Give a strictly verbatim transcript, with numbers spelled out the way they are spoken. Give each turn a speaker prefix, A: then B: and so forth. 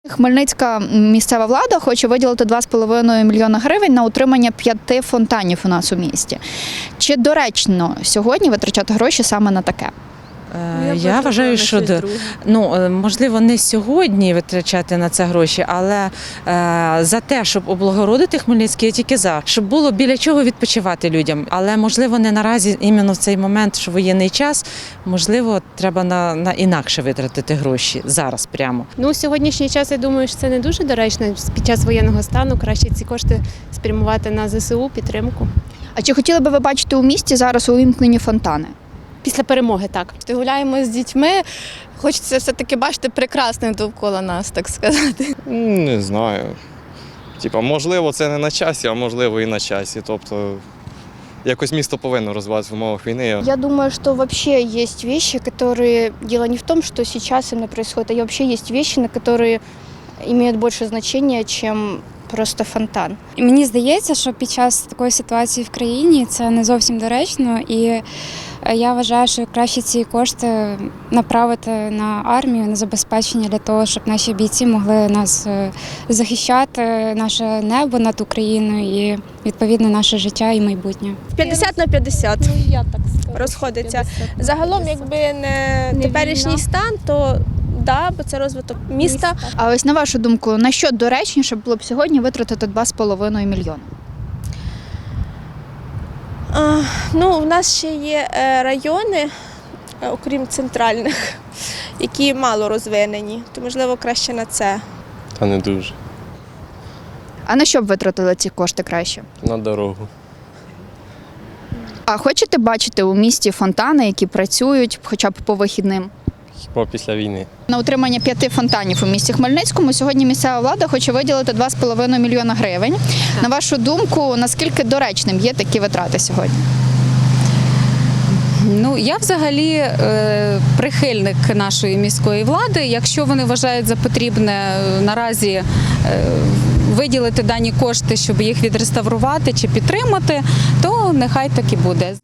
A: Хмельницька місцева влада хоче виділити два з половиною мільйона гривень на утримання п'яти фонтанів у нас у місті. Чи доречно сьогодні витрачати гроші саме на таке?
B: Я, Я вважаю, що ну, можливо, не сьогодні витрачати на це гроші, але е, за те, щоб облагородити Хмельницький, я тільки за, щоб було біля чого відпочивати людям. Але, можливо, не наразі, іменно в цей момент, що воєнний час, можливо, треба на, на інакше витратити гроші зараз прямо.
C: Ну, сьогоднішній час, я думаю, що це не дуже доречно. Під час воєнного стану краще ці кошти спрямувати на зе се у, підтримку.
A: А чи хотіли би ви бачити у місті зараз увімкнені фонтани?
C: Після перемоги, так.
D: Гуляємо з дітьми, хочеться все-таки бачити прекрасне довкола нас, так сказати.
E: Не знаю. Типа, можливо, це не на часі, а можливо і на часі. Тобто, якось місто повинно розвиватися в умовах війни.
F: Я думаю, что вообще есть вещи, которые... Дело не в том, что сейчас именно происходит, а вообще есть вещи, на которые имеют больше значения, чем просто фонтан.
G: Мені здається, що під час такої ситуації в країні це не зовсім доречно, і я вважаю, що краще ці кошти направити на армію, на забезпечення для того, щоб наші бійці могли нас захищати, наше небо над Україною і, відповідно, наше життя і майбутнє.
H: п'ятдесят на п'ятдесят
C: Ну, я так скажу.
H: розходиться.
C: п'ятдесят.
H: Загалом, якби не,
C: Не
H: теперішній
C: війна.
H: стан, то да, бо це розвиток міста.
A: А ось на вашу думку, на що доречніше було б сьогодні витратити два з половиною мільйона?
H: А, ну, у нас ще є е, райони, е, окрім центральних, які мало розвинені, то, можливо, краще на це.
E: Та не дуже.
A: А на що б витратили ці кошти краще?
E: На дорогу.
A: А хочете бачити у місті фонтани, які працюють хоча б по вихідним?
E: Хіба після війни.
A: На утримання п'яти фонтанів у місті Хмельницькому сьогодні місцева влада хоче виділити два з половиною мільйона гривень. На вашу думку, наскільки доречним є такі витрати сьогодні?
I: Ну, я взагалі е, прихильник нашої міської влади. Якщо вони вважають за потрібне е, наразі е, виділити дані кошти, щоб їх відреставрувати чи підтримати, то нехай так і буде.